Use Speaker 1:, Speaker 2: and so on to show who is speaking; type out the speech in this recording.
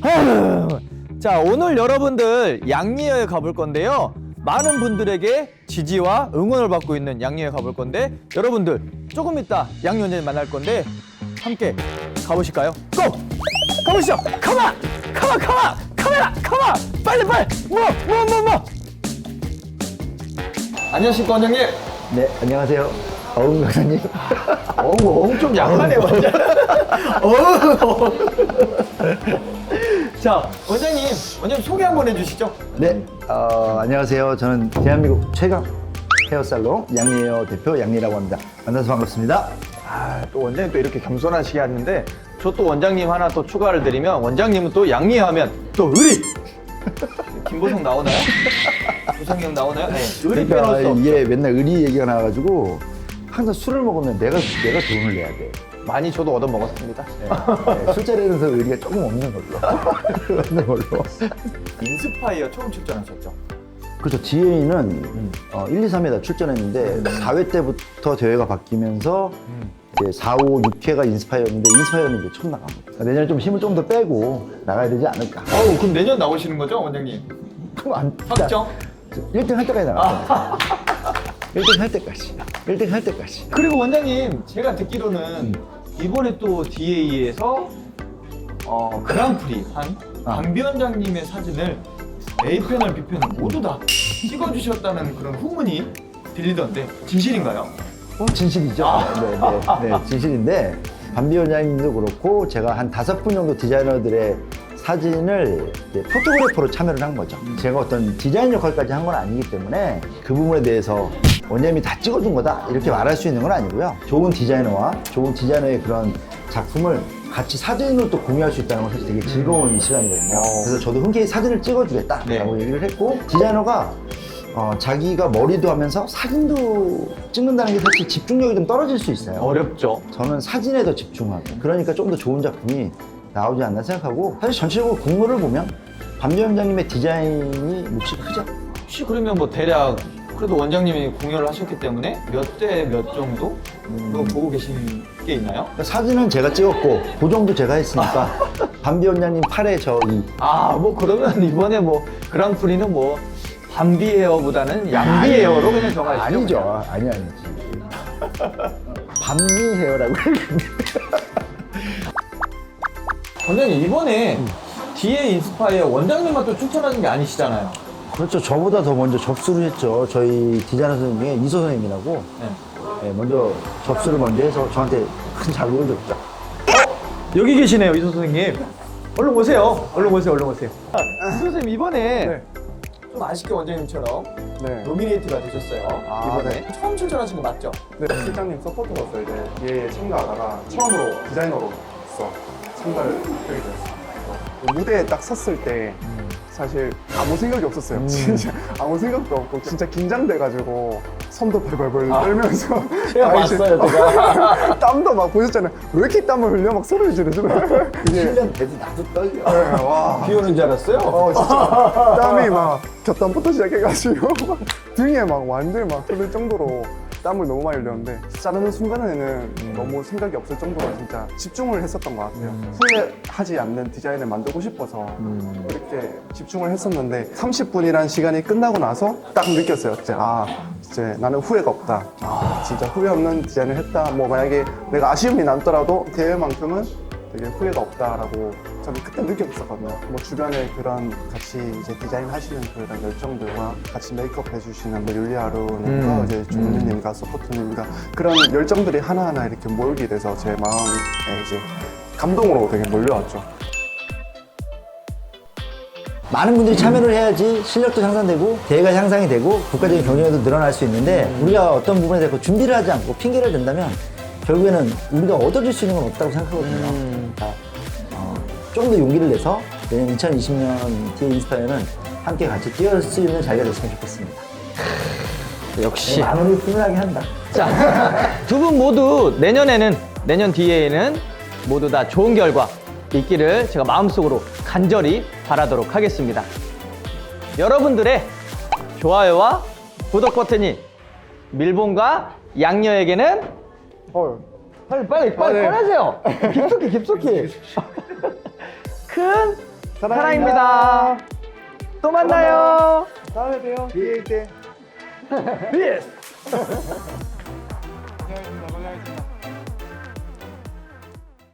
Speaker 1: 자, 오늘 여러분들 양리여에 가볼 건데요. 많은 분들에게 지지와 응원을 받고 있는 양리여에 가볼 건데, 여러분들 조금 이따 양리 원장님 만날 건데 함께 가보실까요? 고! 가보시죠. 카메라 빨리 뭐. 안녕하십니까 원장님.
Speaker 2: 네, 안녕하세요. 어흥 강사님.
Speaker 1: 좀 약하네 완전. 자, 원장님 소개 한번 해주시죠.
Speaker 2: 네, 안녕하세요. 저는 대한민국 최강 헤어살롱 양리헤어 대표 양리라고 합니다. 만나서 반갑습니다.
Speaker 1: 또 원장님 또 이렇게 겸손하시게 하는데, 저 또 원장님 하나 또 추가를 드리면, 원장님은 또 양리헤어 하면 또 의리. 김보성 나오나요? 보성이 형 나오나요? 네. 의리
Speaker 2: 그러니까
Speaker 1: 빼놓을 수
Speaker 2: 이게 맨날 의리 얘기가 나와가지고 항상 술을 먹으면 내가 돈을 내야 돼.
Speaker 1: 많이 저도 얻어 먹었습니다.
Speaker 2: 네, 술자리에서 의리가 조금 없는 걸로.
Speaker 1: 인스파이어 처음 출전하셨죠?
Speaker 2: 그렇죠. DA는 1, 2, 3회 다 출전했는데 4회 때부터 대회가 바뀌면서 이제 4, 5, 6회가 인스파이어였는데 인스파이어는 이제 처음 나간 거죠. 내년에 좀 힘을 좀 더 빼고 나가야 되지 않을까.
Speaker 1: 그럼 내년 나오시는 거죠, 원장님?
Speaker 2: 그럼 안
Speaker 1: 확정?
Speaker 2: 1등 할 때까지 나갈 거야. 1등 할 때까지. 1등 할 때까지.
Speaker 1: 그리고 원장님, 제가 듣기로는 이번에 또 DA에서 그랑프리 한 강비원장님의 사진을 A편을 B편을 모두 다 찍어주셨다는 그런 후문이 들리던데 진실인가요?
Speaker 2: 진실이죠. 네, 진실인데 반비 원장님도 그렇고 제가 한 5분 정도 디자이너들의 사진을 이제 포토그래퍼로 참여를 한 거죠. 제가 어떤 디자인 역할까지 한 건 아니기 때문에 그 부분에 대해서 원장님이 다 찍어준 거다 이렇게 말할 수 있는 건 아니고요. 좋은 디자이너와 좋은 디자이너의 그런 작품을 같이 사진으로 또 공유할 수 있다는 건 사실 되게 즐거운 시간이거든요. 그래서 저도 흔쾌히 사진을 찍어주겠다라고 얘기를 했고, 디자이너가 자기가 머리도 하면서 사진도 찍는다는 게 사실 집중력이 좀 떨어질 수 있어요.
Speaker 1: 어렵죠.
Speaker 2: 저는 사진에 더 집중하고, 그러니까 좀 더 좋은 작품이 나오지 않나 생각하고, 사실 전체적으로 공모를 보면 반비 원장님의 디자인이 몫이 크죠.
Speaker 1: 혹시 그러면 뭐 대략 그래도 원장님이 공연을 하셨기 때문에 몇 대 몇 정도 그거 보고 계신 게 있나요?
Speaker 2: 그러니까 사진은 제가 찍었고 고정도 제가 했으니까 반비 원장님 8에 저 2.
Speaker 1: 뭐 그러면 이번에 뭐 그랑프리는 뭐 반비 헤어보다는 양비 헤어로 그냥 정하시죠.
Speaker 2: 아니죠. 아니지. 반비 헤어라고 했는데.
Speaker 1: 원장님 이번에 DA 인스파이어 원장님만 또 추천하는 게 아니시잖아요.
Speaker 2: 그렇죠. 저보다 더 먼저 접수를 했죠. 저희 디자이너 선생님 중에 이소 선생님이라고. 네, 먼저 접수를 먼저 해서 저한테 큰 자극을 줬죠.
Speaker 1: 여기 계시네요, 이소 선생님. 얼른 오세요. 이소 선생님 이번에 좀 아쉽게 원장님처럼
Speaker 3: 네.
Speaker 1: 노미네이트가 되셨어요. 이번에 처음 출전하신 거 맞죠?
Speaker 3: 네, 실장님 서포터로서 이제 얘에 참가하다가 처음으로 디자이너로서 참가를 하게 됐어요. 무대에 딱 섰을 때 사실 아무 생각이 없었어요. 진짜 아무 생각도 없고 진짜 긴장돼가지고 손도 벌벌벌 떨면서
Speaker 1: 제가 봤어요, 제가.
Speaker 3: 땀도 막 보셨잖아요. 왜 이렇게 땀을 흘려? 막 소리 지르잖아요. 이게
Speaker 2: 1년 돼도 나도 떨려.
Speaker 3: 네, 와.
Speaker 1: 비 오는 줄 알았어요?
Speaker 3: 진짜 땀이 막 곁땀부터 시작해가지고 막 등에 막 완전히 막 흐를 정도로 땀을 너무 많이 흘렸는데 자르는 순간에는 너무 생각이 없을 정도로 진짜 집중을 했었던 것 같아요. 후회하지 않는 디자인을 만들고 싶어서 그렇게 집중을 했었는데 30분이라는 시간이 끝나고 나서 딱 느꼈어요. 이제 나는 후회가 없다. 진짜 후회 없는 디자인을 했다. 뭐 만약에 내가 아쉬움이 남더라도 대회만큼은 되게 후회가 없다라고 저는 그때 느꼈었거든요. 뭐 주변에 그런 같이 이제 디자인 하시는 그런 열정들과 같이 메이크업 해주시는 뭐 율리아루님과 이제 조민님과 서포트님과 그런 열정들이 하나하나 이렇게 모이게 돼서 제 마음에 이제 감동으로 되게 몰려왔죠.
Speaker 2: 많은 분들이 참여를 해야지 실력도 향상되고 대회가 향상이 되고 국가적인 경쟁에도 늘어날 수 있는데 우리가 어떤 부분에 대해서 준비를 하지 않고 핑계를 댄다면 결국에는 우리가 얻어질 수 있는 건 없다고 생각하거든요. 좀 더 용기를 내서 내년 2020년 DA 인스파이어는 함께 같이 뛰어올 수 있는 자리가 됐으면 좋겠습니다.
Speaker 1: 역시.
Speaker 2: 마음을 훈훈하게 한다.
Speaker 1: 자, 두 분 모두 내년 DA에는 모두 다 좋은 결과 있기를 제가 마음속으로 간절히 바라도록 하겠습니다. 여러분들의 좋아요와 구독 버튼이 밀봉과 양녀에게는 빨리
Speaker 3: 네.
Speaker 1: 꺼내세요. 깊숙이 큰 사랑입니다. 또 만나요.
Speaker 3: 다음에 봬요. BA 때.
Speaker 1: 비스.
Speaker 3: 고생하셨습니다. 고생하셨습니다.